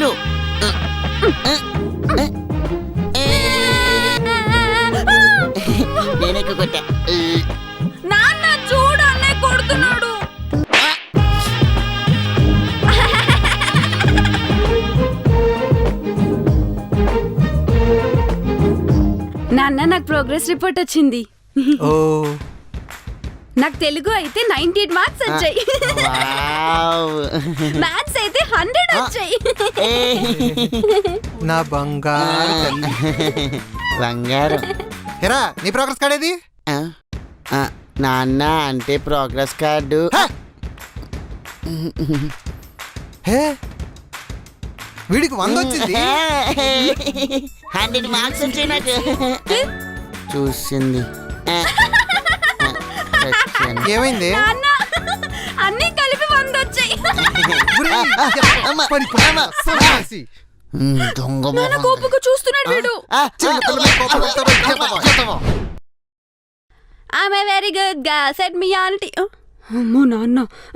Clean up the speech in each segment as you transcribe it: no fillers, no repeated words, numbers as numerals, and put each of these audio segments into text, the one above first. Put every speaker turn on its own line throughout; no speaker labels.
Full. నేనే కొట్టా.
నాన్న చూడు అన్నయ్య కొడుతున్నాడు. నాన్న నాకు ప్రోగ్రెస్ రిపోర్ట్ వచ్చింది.
ఓ
నాకు తెలుగు అయితే 98 మార్క్స్ వచ్చాయి. మ్యాథ్స్ అయితే 100 వచ్చాయి.
నా బంగారు తల్లి.
బంగారం.
ఎరా నీ ప్రోగ్రెస్ కార్డ్ ఏది?
నాన్న అంటే ప్రోగ్రెస్ కార్డు.
హే వీడికి 100 వచ్చింది.
100 మార్క్స్ వచ్చాయి నాకు. చూసింది.
ఏమైంది?
నాన్న అన్ని కలిపి 100 వచ్చాయి. నాన్న కోపంగా చూస్తున్నాడు వీడు. ఆమె వెరీ గుడ్ గా సెట్ మీ ఆంటీ. అమ్మో నాన్న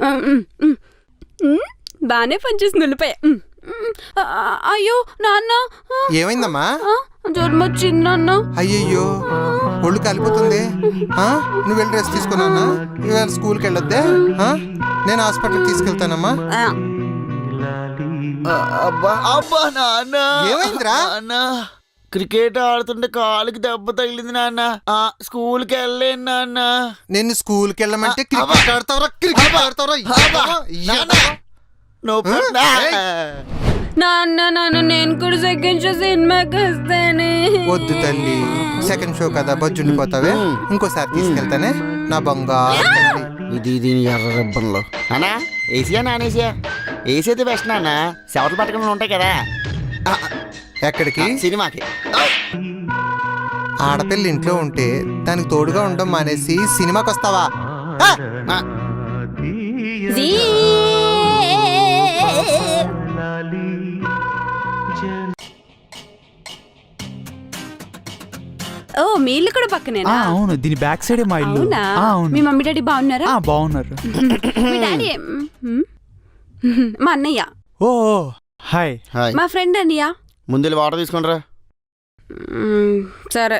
బానే పనిచేసింది ఉల్లిపాయ. అయ్యో నాన్న
ఏమైందమ్మా?
జ్వరం వచ్చింది నాన్న.
అయ్యయ్యో ఒళ్ళు కాలిపోతుంది. నువ్వు వెళ్ళి రెస్ట్ తీసుకున్నా. ఇవాళ స్కూల్కి వెళ్ళొద్దే. నేను హాస్పిటల్కి తీసుకెళ్తానమ్మా. ఏమైందిరా?
క్రికెట్ ఆడుతుంటే కాలుకి దెబ్బ తగిలింది నాన్న. స్కూల్కి వెళ్ళలేను నాన్న.
నేను స్కూల్కి వెళ్ళమంటే క్రికెట్ ఆడతావరా? క్రికెట్ ఆడతావరా?
నాన్న నాన్న నేను కూడా సెకండ్ షో సినిమాకి వస్తానే.
వద్దు తల్లి, సెకండ్ షో కదా బొజ్జుండిపోతావే. ఇంకోసారి తీసుకెళ్తానే నా బంగారు తల్లి.
ఇది దీని ఎర్ర రబ్బన్లో. అన్నా ఏసీయా నాన్ ఏసీయా? ఏసీ అయితే బెస్ట్ నాన్న. సెవెంత్ పట్టకంలో ఉంటాయి కదా.
ఎక్కడికి?
సినిమాకి.
ఆడపిల్ల ఇంట్లో ఉంటే దానికి తోడుగా ఉండడం మానేసి సినిమాకి వస్తావా?
ఓ మీ ఇల్లు కూడా పక్కనేనా?
అవును, దీని బ్యాక్ సైడ్ మా ఇల్లు.
అవునా? మీ మమ్మీ డాడీ బాగున్నారా?
బాగున్నారు.
మీ డాడీ మా అన్నయ్య.
ఓ హాయ్.
మా ఫ్రెండ్ అన్నయ్య.
ముందు వాటర్ తీసుకుంటారా?
సరే.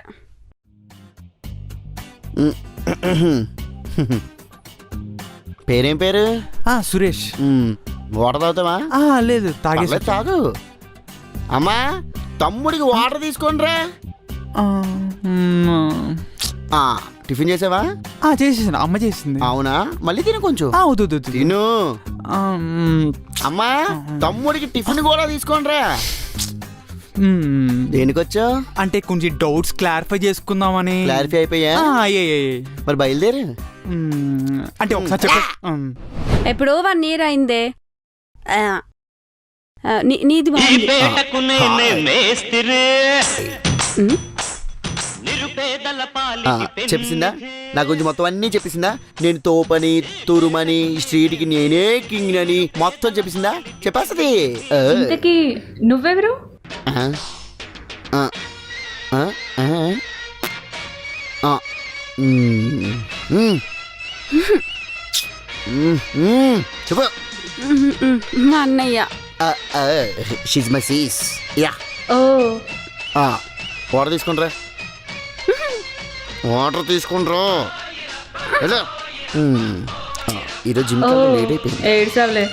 పేరేం పేరు?
సురేష్.
వాటర్ తాగుతావా?
లేదు తాగేసి.
తాగు. అమ్మా తమ్ముడికి వాటర్ తీసుకోండిరా. టిఫిన్ చేసావా?
చేసేసాను, అమ్మ చేసింది.
అవునా? మళ్ళీ తిను కొంచెం.
వద్దు
తిను. అమ్మా తమ్ముడికి టిఫిన్ కూడా తీసుకోండిరా. దేనికొచ్చా?
అంటే కొంచెం డౌట్స్ క్లారిఫై చేసుకుందామని.
క్లారిఫై అయిపోయా? మరి బయలుదేరు.
అంటే ఒకసారి చెప్ప.
ఎప్పుడో 1 year అయిందే. నీది బాగుంది.
చెప్పేసిందా? నా గురించి మొత్తం అన్నీ చెప్పేసిందా? నేను తోపని తురుమని స్ట్రీట్కి నేనే కింగ్ అని మొత్తం చెప్పేసిందా? చెప్పేస్తుంది.
నువ్వెవరు?
చెప్పు.
మా అన్నయ్య.
She's my sis. Yeah. Water తీసుకుంటారా? వాటర్ తీసుకుంటారా? ఈరోజు జిమ్ లేట్ అయిపోయింది.